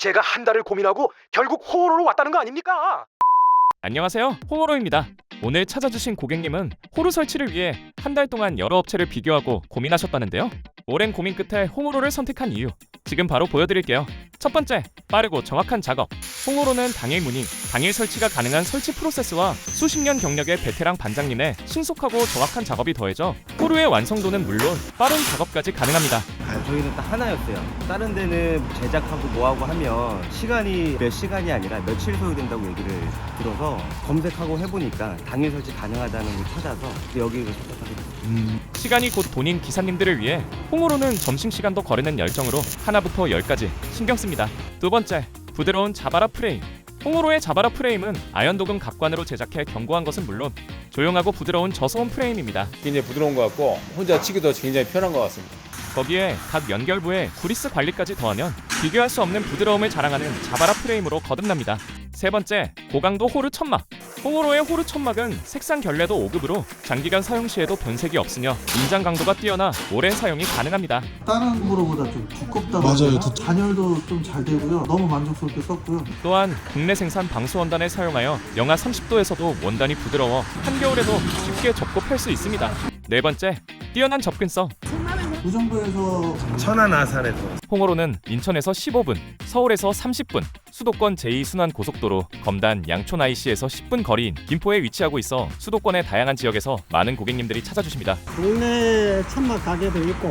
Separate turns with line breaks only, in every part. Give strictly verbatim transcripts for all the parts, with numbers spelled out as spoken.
제가 한 달을 고민하고 결국 호로로 왔다는 거 아닙니까?
안녕하세요, 홍호로입니다. 오늘 찾아주신 고객님은 호루 설치를 위해 한 달 동안 여러 업체를 비교하고 고민하셨다는데요. 오랜 고민 끝에 홍호로를 선택한 이유, 지금 바로 보여드릴게요. 첫 번째, 빠르고 정확한 작업. 홍호로는 당일 문의, 당일 설치가 가능한 설치 프로세스와 수십 년 경력의 베테랑 반장님의 신속하고 정확한 작업이 더해져 호루의 완성도는 물론 빠른 작업까지 가능합니다.
아, 저희는 딱 하나였어요. 다른 데는 제작하고 뭐하고 하면 시간이 몇 시간이 아니라 며칠 소요된다고 얘기를 들어서 검색하고 해보니까 당일 설치 가능하다는 걸 찾아서 여기를 선택하게 됐어요.
음... 시간이 곧 돈인 기사님들을 위해 홍호로는 점심시간도 거르는 열정으로 하나부터 열까지 신경 씁니다. 두 번째, 부드러운 자바라 프레임. 홍호로의 자바라 프레임은 아연도금 각관으로 제작해 견고한 것은 물론 조용하고 부드러운 저소음 프레임입니다.
굉장히 부드러운 것 같고 혼자 치기도 굉장히 편한 것 같습니다.
거기에 각 연결부에 구리스 관리까지 더하면 비교할 수 없는 부드러움을 자랑하는 자바라 프레임으로 거듭납니다. 세 번째, 고강도 호르 천막. 홍호로의 호르 천막은 색상 결례도 오 급으로 장기간 사용 시에도 변색이 없으며 인장 강도가 뛰어나 오랜 사용이 가능합니다.
다른 호로보다 좀 두껍다고
맞아요.
하나?
두-
단열도 좀 잘 되고요. 너무 만족스럽게 썼고요.
또한 국내 생산 방수 원단을 사용하여 영하 삼십 도에서도 원단이 부드러워 한겨울에도 쉽게 접고 펼 수 있습니다. 네 번째, 뛰어난 접근성.
그 정도에서
천안 아산에서
홍호로는 인천에서 십오 분, 서울에서 삼십 분, 수도권 제이 순환 고속도로 검단 양촌 아이씨에서 십 분 거리인 김포에 위치하고 있어 수도권의 다양한 지역에서 많은 고객님들이 찾아주십니다.
동네 천막 가게도 있고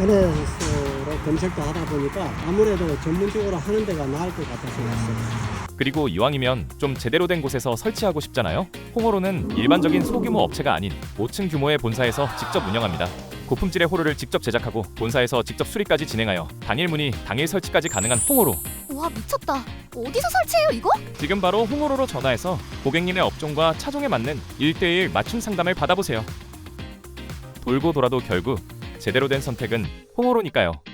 인터넷으로 검색도 하다 보니까 아무래도 전문적으로 하는 데가 나을 것 같아서 왔어요.
그리고 이왕이면 좀 제대로 된 곳에서 설치하고 싶잖아요. 홍호로는 일반적인 소규모 업체가 아닌 오 층 규모의 본사에서 직접 운영합니다. 고품질의 호루를 직접 제작하고 본사에서 직접 수리까지 진행하여 당일 문의, 당일 설치까지 가능한 홍호로.
와 미쳤다. 어디서 설치해요 이거?
지금 바로 홍호로로 전화해서 고객님의 업종과 차종에 맞는 일 대일 맞춤 상담을 받아보세요. 돌고 돌아도 결국 제대로 된 선택은 홍호로니까요.